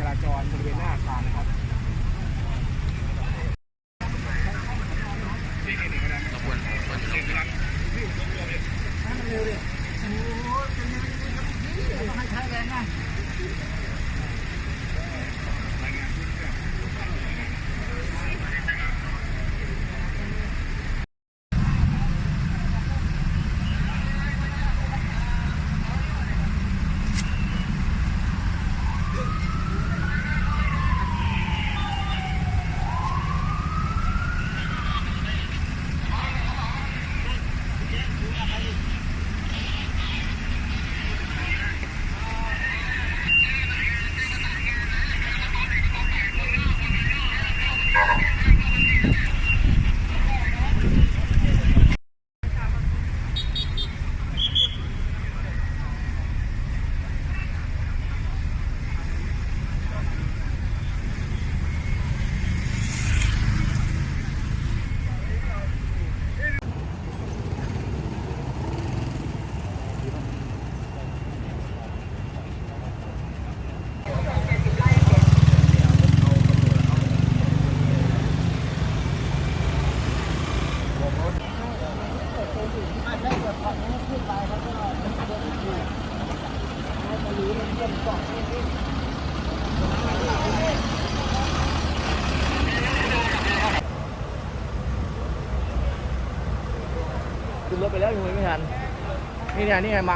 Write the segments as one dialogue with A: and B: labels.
A: ราจรบริเวณหน้าอาคารนะครับเร็วดิโอ้ยให้ใช้แรงนะขึ้นรถไปแล้วยังไม่ทันนี่ไงมา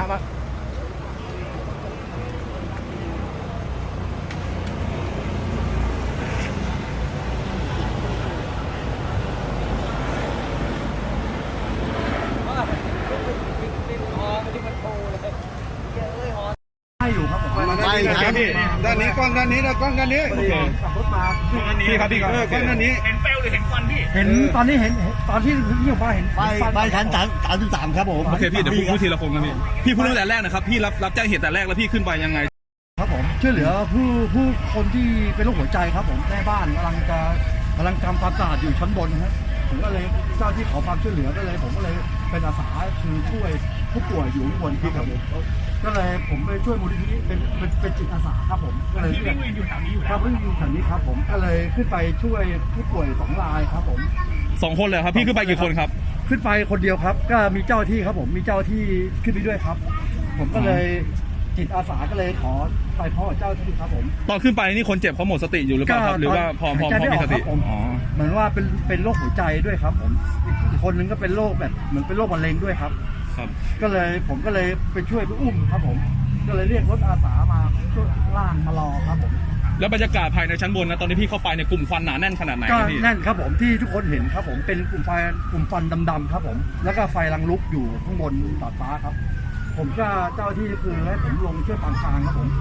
A: อยู่ครับผม
B: ไม่ครับด้านนี้กล้องด้านนี้นะกล้องด้านนี้
A: ขับรถมา
B: พี่ครับพี่ครับกล้องด้านนี้
A: เห็นเปลวหรือเห็นควันพี่
C: เห็นตอนนี้เห็นตอนที่พี่ออกมาเห็น
B: ไปชั้น33ครับผม
D: โอเคพี่เดี๋ยวพูดทีละคนครับพี่พูดตั้งแต่แรกนะครับพี่รับแจ้งเหตุแต่แรกแล้วพี่ขึ้นไปยังไง
C: ครับผมช่วยเหลือผู้คนที่เป็นโรคหัวใจครับผมแม่บ้านกำลังทำความสะอาดอยู่ชั้นบนครับผมก็เลยเจ้าที่ขอความช่วยเหลือก็เลยผมก็เลยเป็นอาสาคือช่วยผู้ป่วยอยู่ข้างบนครับผมก็เลยผมไปช่วยมูลนิธิเป็นจิตอาสาครับผมก็เลย
A: วิ่งอยู่แถวนี้อยู่
C: ครับวิ่งอยู่แถวนี้ครับผมก็เลยขึ้นไปช่วยผู้ป่วย2 รายครับผม
D: 2 คนเลยครับพี่ขึ้นไปกี่คนครับ
C: ขึ้นไปคนเดียวครับก็มีเจ้าที่ครับผมมีเจ้าที่ขึ้นไปด้วยครับผมก็เลยจิตอาสาก็เลยขอไปพ่อเจ้าที่ครับผม
D: ตอนขึ้นไปนี่คนเจ็บเขาหมดสติอยู่หรือเปล่าครับหรือว่าพอมีสติ
C: เหมือนว่าเป็นโรคหัวใจด้วยครับผมอีกคนนึงก็เป็นโรคแบบเหมือนเป็นโรคมะเร็งด้วยครับก็เลยผมก็เลยไปช่วยไปอุ้มครับผมก็เลยเรียกรถอาสามาช่วยล่างมารอครับผม
D: แล้วบรรยากาศภายในชั้นบนนะตอนที่พี่เข้าไปในกลุ่มควันหนาแน่นขนาดไหน
C: ก็แน่นครับผมที่ทุกคนเห็นครับผมเป็นกลุ่มฟันดำๆครับผมแล้วก็ไฟลังลุกอยู่ข้างบนดาดฟ้าครับผมก็เจ้าที่คือให้ผมลงช่วยปางกลางครับผม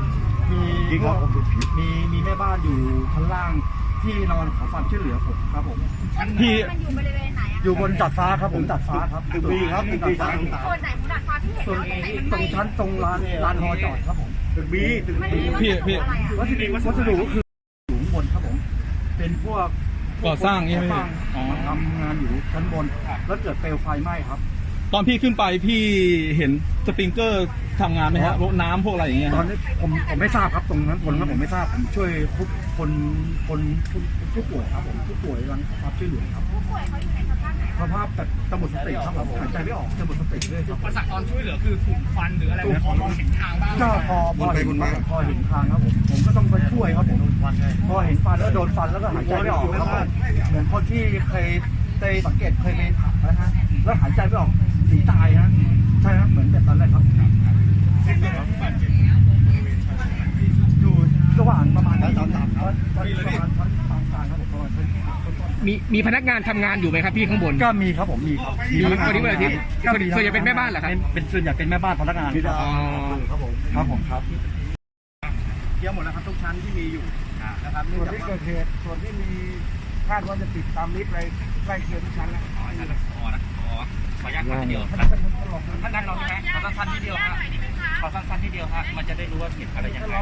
C: มีแม่บ้านอยู่ชั้นล่างที่นอนขอความช่วยเหลือผมครับผม
E: พี่มันอยู่บริเวณไหน
C: อยู่บนดาดฟ้าครับผมดาดฟ้าครับ
B: ตึกบีครับตึกบีชั้น
E: โซนไหนของดาดฟ้าที่เห็นแล้ว
C: ตรงชั้นตรงลานฮอจอดครับผม
B: ตึกบี
D: พี่
C: วัสดุก็คืออยู่ข้างบนครับผมเป็นพวก
D: ก่อสร้างนี่ไหม
C: ทำงานอยู่ชั้นบนแล้วเกิดเปลวไฟไหม้ครับ
D: ตอนพี่ขึ้นไปพี่เห็นสปริงเกอร์ทำงานไหมฮะรถน้ำพวกอะไรอย่างเงี้ย
C: ตอนนี้ผมไม่ทราบครับตรงนั้นผมไม่ทราบผมช่วยคนผู้ป่วยครับผมผู้ป่วยรังรับช่วยเหลือครับ
E: ผู้ป่วยเขาอยู่ในสภาพไหน
C: สภาพแบบจะหมดสติครับผมหายใจไม่ออกจะหมดสติเลยครับ
A: ประสาทตอนช่วยเหลือคือถูกฟันหรืออะไรพอมองเห็นทางบ้าง
C: ก็พอเห็นทางครับผมก็ต้องไปช่วยครับผมพอเห็นฟันแล้วโดนฟันแล้วก็หายใจไม่ออกครับเหมือนคนที่เคยสังเกตเคยไปถักนะฮะแล้วหายใจไม่ออกหนีตายฮะใช่ครับเหมือนแบบนั้นเลยครับอยู่ระหว่างประมาณนั้นครับ
A: มีพนักงานทำงานอยู่ไหมครับพี่ข้างบน
C: ก็มีครับผมมีครับ
A: วันนี้วันอาทิตย์ส่วนใหญ่เป็นแม่บ้านเหรอครับ
C: เป็นส่วนใหญ่เป็นแม่บ้านพนักงานครับผมครับ
A: เกี่ยวหมดแล้วครับทุกชั้นที่มีอยู่นะครับ
C: ส่วนที่เกิดเหตุส่วนที่มีคาดว่าจะติดตามลิฟต์อะไรใกล้เคียงทุกชั้นแล้ว
A: ขออนุญาตทีเดียวท่านลองใช่ไหมขอสั้นๆทีเดียวครับขอสั้นๆทีเดียวครับมันจะได้รู้ว่าผิดอะไรยังไง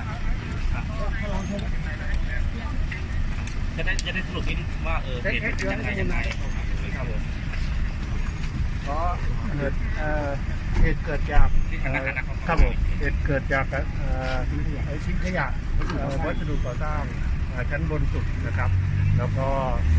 A: จะได้สรุปนิดว่าผิดยังไงครับผม
C: ก็เหตุเกิดจากครับผมเหตุเกิดจากทิ้งขยะ
F: วัสดุก่อสร้างชั้นบนสุดนะครับแล้วก็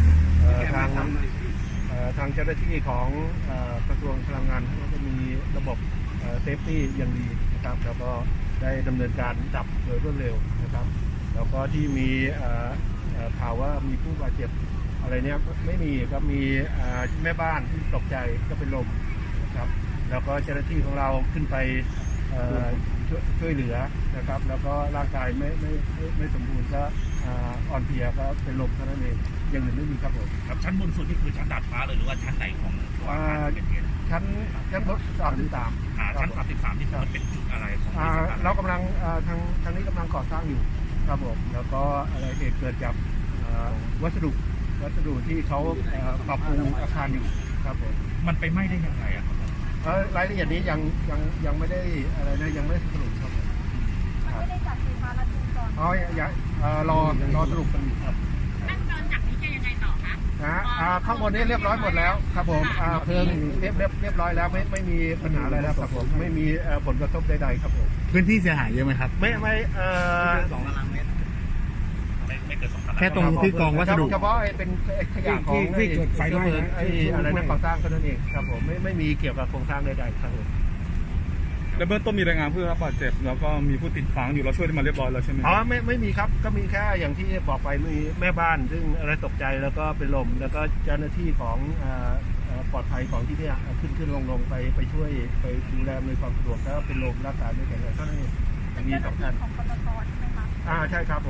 F: ทางเจ้าหน้าที่ของกระทรวงพลังงานก็จะมีระบบเซฟตี้อย่างดีนะครับแล้วก็ได้ดำเนินการดับโดยรวดเร็วนะครับแล้วก็ที่มีข่าวว่ามีผู้บาดเจ็บอะไรเนี้ยไม่มีครับมีแม่บ้านที่ตกใจก็เป็นลมนะครับแล้วก็เจ้าหน้าที่ของเราขึ้นไปช่วยเหลือนะครับแล้วก็ร่างกายไม่สมบูรณ์ก็อ่อนเพลียก็เป็นลมเท่านั้นเองอย่างอื่นไม่มีครับผม
A: ครับชั้นบนสุดนี่คือชั้นดาดฟ้าเลยหรือว่าชั้นไหนของตัวอาคารที่เกิดเหตุ
F: ชั้นรถ33
A: ชั้น33ที่มันเป็นจุดอะไรของบริษัทอะไร
F: เรากำลังทางนี้กำลังก่อสร้างอยู่ครับผมแล้วก็อะไรเหตุเกิดจากวัสดุที่เขาปรับปรุงอาคารอยู่ครับผม
A: มันไปไหม้ได้ยังไงอะครับ
F: รายละเอียดนี้ยังไม่ได้อะไรนะยังไม่ได้สรุปครับผม
E: ไม่ได้จัดไฟฟ้าลัดวงจร
F: รอสรุปกันอยู่ครับ
E: ขั้นตอนจากนี้จะยังไงต่อคะ
F: ข้างบนนี้เรียบร้อยหมดแล้วครับผมเพลิงเรียบร้อยแล้วไม่มีปัญหาอะไรแล้วครับผมไม่มีผลกระทบใดๆครับผม
B: พื้นที่เสียหายเยอะไหมครับ
F: ไม่
A: 2 ตารางเมตรไม่เกิน2 ตารางเมตร
B: แค่ตรงที่กองวัสดุ
F: เฉพาะเป็นขยะของ
B: ที่เกิดไฟไหม้
F: อะไรนะก่อสร้างเท่านั้นเองครับผมไม่มีเกี่ยวกับโครงสร้างใดๆครับผม
D: แล้วเบื้องต้นมีรายงานผู้ได้รับบาดเจ็บแล้วก็มีผู้ติดค้างอยู่เราช่วยได้มาเรียบร้อยแล้วใช่ไหม
F: ไม่มีครับก็มีแค่อย่างที่บอกไปมีแม่บ้านซึ่งอะไรตกใจแล้วก็เป็นลมแล้วก็เจ้าหน้าที่ของปลอดภัยของที่เนี่ยขึ้นลงไปช่วยไปดูแลในความสะดวกแล้วเป็นลมรักษาไม่แข็งแรงเท่านั้นเองมี2 ท่าน
E: ของปตทใช่ไหมคะ
F: ใช่ครับผม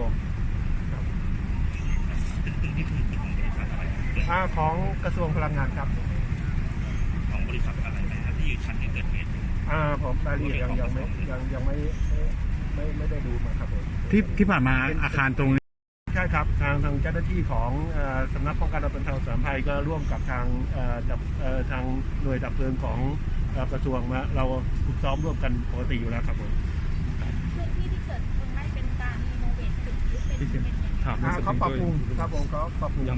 A: ตึกนี่คือตึกของบริษัทอะไร
F: ของกระทรวงพลังงานครับ
A: ของบริษัทอะไรนะครับที่ชั้นที่เกิดเหตุ
F: ผมรายละเอียดยังไม่ได้ดูมาครับผม
B: ที่ผ่านมาอาคารตรงนี้
F: ใช่ครับทางเจ้าหน้าที่ของสำนักป้องกันและบรรเทาสาธารณภัยก็ร่วมกับทางหน่วยดับเพลิงของกระทรวงมาเราฝึกซ้อมร่วมกันปกติอยู่แล้วครับผม
E: พื้นที่ที่เกิดเพลิงไหม้เป็นการรีโนเวทตึกหรือเป็นยังไง
D: ถามเรื่องสป
F: เขา
D: ริง
F: ปรับ
D: เกอ
F: ปรุง
D: ร์
F: ครับผมเขาปรับปรุง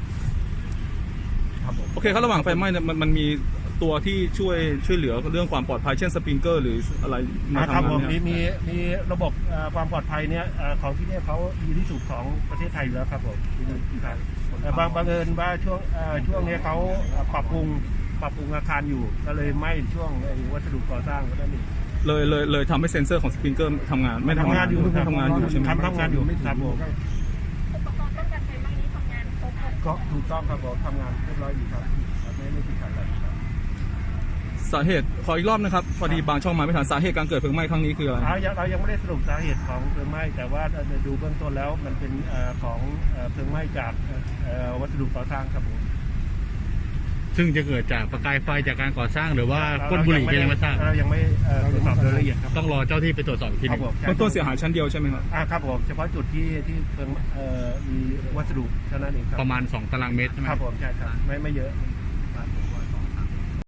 F: ครับผม
D: โอเคครับระหว่างไฟไหม้เนี่ยมันมีตัวที่ช่วยเหลือเรื่องความปลอดภัยเช่นสปริงเกอร์หรืออะไรมา
F: ครับ
D: ทำ
F: ผม
D: งานเนี่ย
F: มีระบบความปลอดภัยเนี่ยของที่เนี่ยเขาดีที่สุดของประเทศไทยอยู่แล้วครับผมครับบังเอิญว่าช่วงนี้เขาปรับปรุงอาคารอยู่ก็เลยไหม้ช่วงวัสดุก่อสร้างก็ได้นี่
D: เลยทำให้เซ็นเซอร์ของสปริงเกอร์ทำงานไม่ทำงานอยู่ทำงานอยู่ใช่ไหม
F: ทำงานอยู่ครับผม
E: อุปกรณ์ป้องกันไฟไหม้นี้ทำงานครบ
F: ก็ถูกต้องครับผมทำงานเรียบร้อยอยู่ครับไม่ติดขัดอะไรครับ
D: สาเหตุขออีกรอบนะครับพอดีบางช่องมาไม่ทันสาเหตุการเกิดเพลิงไหม้ครั้งนี้คืออะไร
F: เรายังไม่ได้สรุปสาเหตุของเพลิงไหม้แต่ว่าดูเบื้องต้นแล้วมันเป็นของเพลิงไหม้จากวัสดุก่อสร้างครับผม
B: ซึ่งจะเกิดจากประกายไฟจากการก่อสร้างหรือว่าก้นบุหรี่ก็ยังไม่ทราบ
F: เรายังไม่ตรวจสอบโดยละเอียดครับ
B: ต้องรอเจ้าที่ไปตรวจสอบอีกทีห
F: ครั
B: นึ
F: บ
B: ง
F: ผม
D: เบื้องต้นเสียหายชั้นเดียวใช่ไหมครับ
F: ครับผมเฉพาะจุดที่เพลิงมีวัสดุเท่านั้นเองครับ
B: ประมาณ2 ตารางเมตรใช่ไหม
F: ครับผมใช่ครับไม่เยอะครับ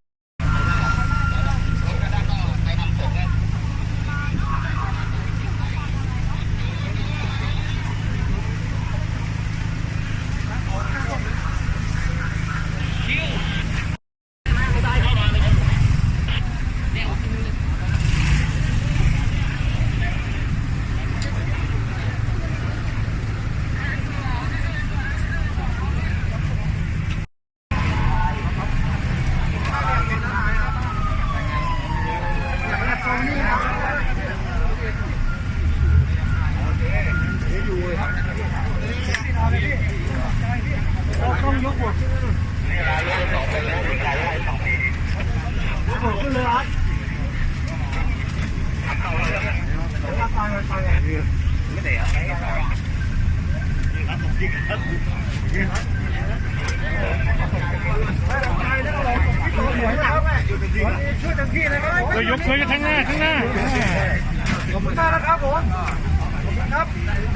B: ยกช่วยข้างหน้า
F: ขอบคุณมากนะครับผมขอบคุณครับ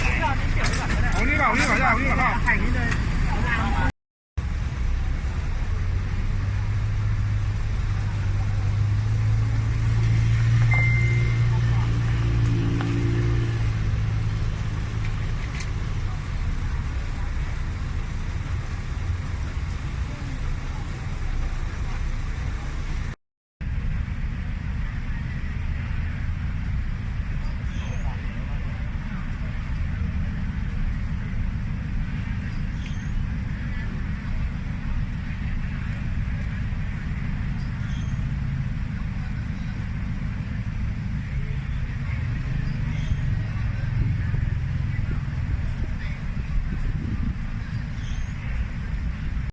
A: เป็นไร
F: เอานี่เปล่านี่เปล่าเอานี่เปล่าแข่งนี้เลย